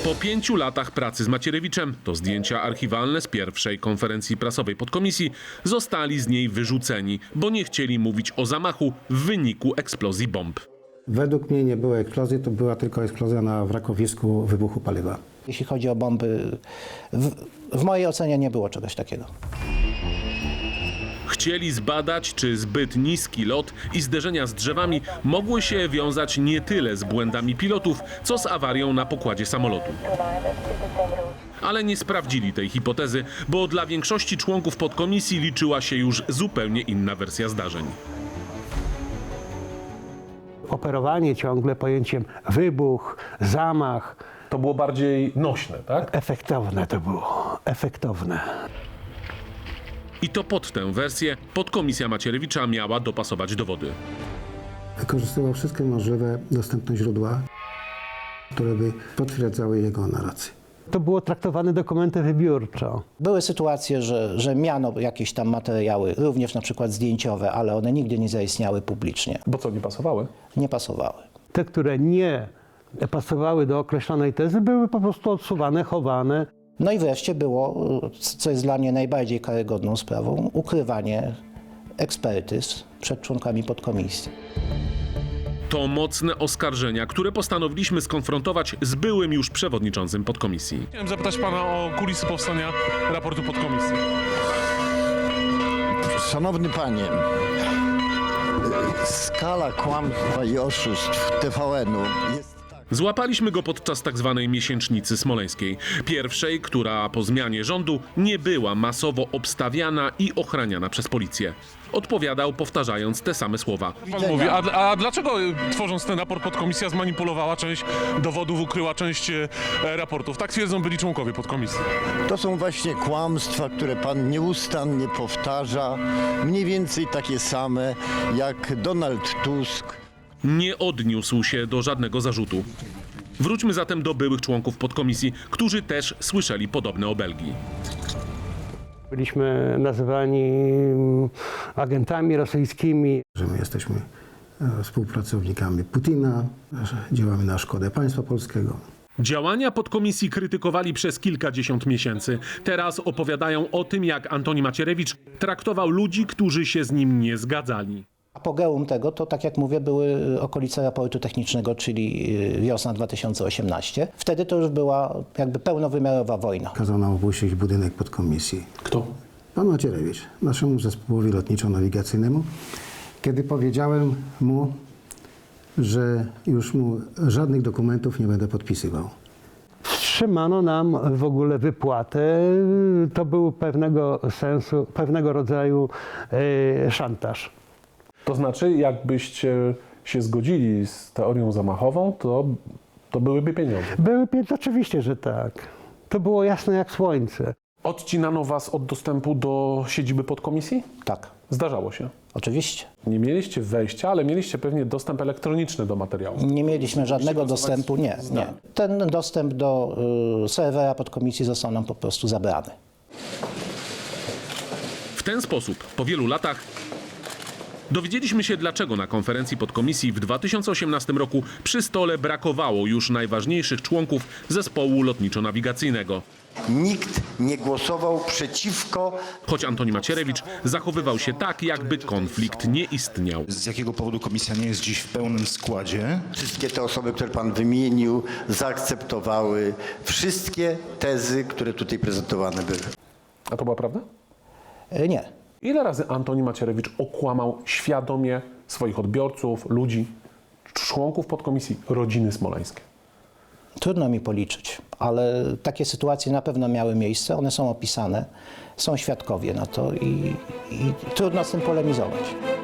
Po 5 latach pracy z Macierewiczem, to zdjęcia archiwalne z pierwszej konferencji prasowej podkomisji, zostali z niej wyrzuceni, bo nie chcieli mówić o zamachu w wyniku eksplozji bomb. Według mnie nie było eksplozji, to była tylko eksplozja na wrakowisku wybuchu paliwa. Jeśli chodzi o bomby, w mojej ocenie nie było czegoś takiego. Chcieli zbadać, czy zbyt niski lot i zderzenia z drzewami mogły się wiązać nie tyle z błędami pilotów, co z awarią na pokładzie samolotu. Ale nie sprawdzili tej hipotezy, bo dla większości członków podkomisji liczyła się już zupełnie inna wersja zdarzeń. Operowanie ciągle pojęciem wybuch, zamach. To było bardziej nośne, tak? Efektowne to było, efektowne. I to pod tę wersję podkomisja Macierewicza miała dopasować dowody. Wykorzystywał wszystkie możliwe dostępne źródła, które by potwierdzały jego narrację. To było traktowane dokumentem wybiórczo. Były sytuacje, że miano jakieś tam materiały, również na przykład zdjęciowe, ale one nigdy nie zaistniały publicznie. Bo co, nie pasowały? Nie pasowały. Te, które nie pasowały do określonej tezy, były po prostu odsuwane, chowane. No i wreszcie było, co jest dla mnie najbardziej karygodną sprawą, ukrywanie ekspertyz przed członkami podkomisji. To mocne oskarżenia, które postanowiliśmy skonfrontować z byłym już przewodniczącym podkomisji. Chciałem zapytać pana o kulisy powstania raportu podkomisji. Szanowny panie, skala kłamstwa i oszustw TVN-u jest... Złapaliśmy go podczas tak zwanej miesięcznicy smoleńskiej. Pierwszej, która po zmianie rządu nie była masowo obstawiana i ochraniana przez policję. Odpowiadał, powtarzając te same słowa. Pan mówi, a dlaczego tworząc ten raport podkomisja zmanipulowała część dowodów, ukryła część raportów? Tak twierdzą byli członkowie podkomisji. To są właśnie kłamstwa, które pan nieustannie powtarza, mniej więcej takie same jak Donald Tusk. Nie odniósł się do żadnego zarzutu. Wróćmy zatem do byłych członków podkomisji, którzy też słyszeli podobne obelgi. Byliśmy nazywani agentami rosyjskimi. Że my jesteśmy współpracownikami Putina, że działamy na szkodę państwa polskiego. Działania podkomisji krytykowali przez kilkadziesiąt miesięcy. Teraz opowiadają o tym, jak Antoni Macierewicz traktował ludzi, którzy się z nim nie zgadzali. Apogeum tego to, tak jak mówię, były okolice raportu technicznego, czyli wiosna 2018. Wtedy to już była jakby pełnowymiarowa wojna. Kazał nam opuścić budynek podkomisji. Kto? Pan Macierewicz, naszemu zespołowi lotniczo-nawigacyjnemu, kiedy powiedziałem mu, że już mu żadnych dokumentów nie będę podpisywał. Wstrzymano nam w ogóle wypłatę. To był pewnego rodzaju szantaż. To znaczy, jakbyście się zgodzili z teorią zamachową, to byłyby pieniądze. Oczywiście, że tak. To było jasne jak słońce. Odcinano was od dostępu do siedziby podkomisji? Tak, Zdarzało się. oczywiście. Nie mieliście wejścia, ale mieliście pewnie dostęp elektroniczny do materiału. Nie mieliśmy żadnego dostępu, nie. Ten dostęp do serwera podkomisji został nam po prostu zabrany. W ten sposób, po wielu latach, dowiedzieliśmy się, dlaczego na konferencji podkomisji w 2018 roku przy stole brakowało już najważniejszych członków zespołu lotniczo-nawigacyjnego. Nikt nie głosował przeciwko. Choć Antoni Macierewicz zachowywał się tak, jakby konflikt nie istniał. Z jakiego powodu komisja nie jest dziś w pełnym składzie? Wszystkie te osoby, które pan wymienił, zaakceptowały wszystkie tezy, które tutaj prezentowane były. A to była prawda? Nie. Ile razy Antoni Macierewicz okłamał świadomie swoich odbiorców, ludzi, członków podkomisji, rodziny smoleńskiej? Trudno mi policzyć, ale takie sytuacje na pewno miały miejsce, one są opisane, są świadkowie na to i trudno z tym polemizować.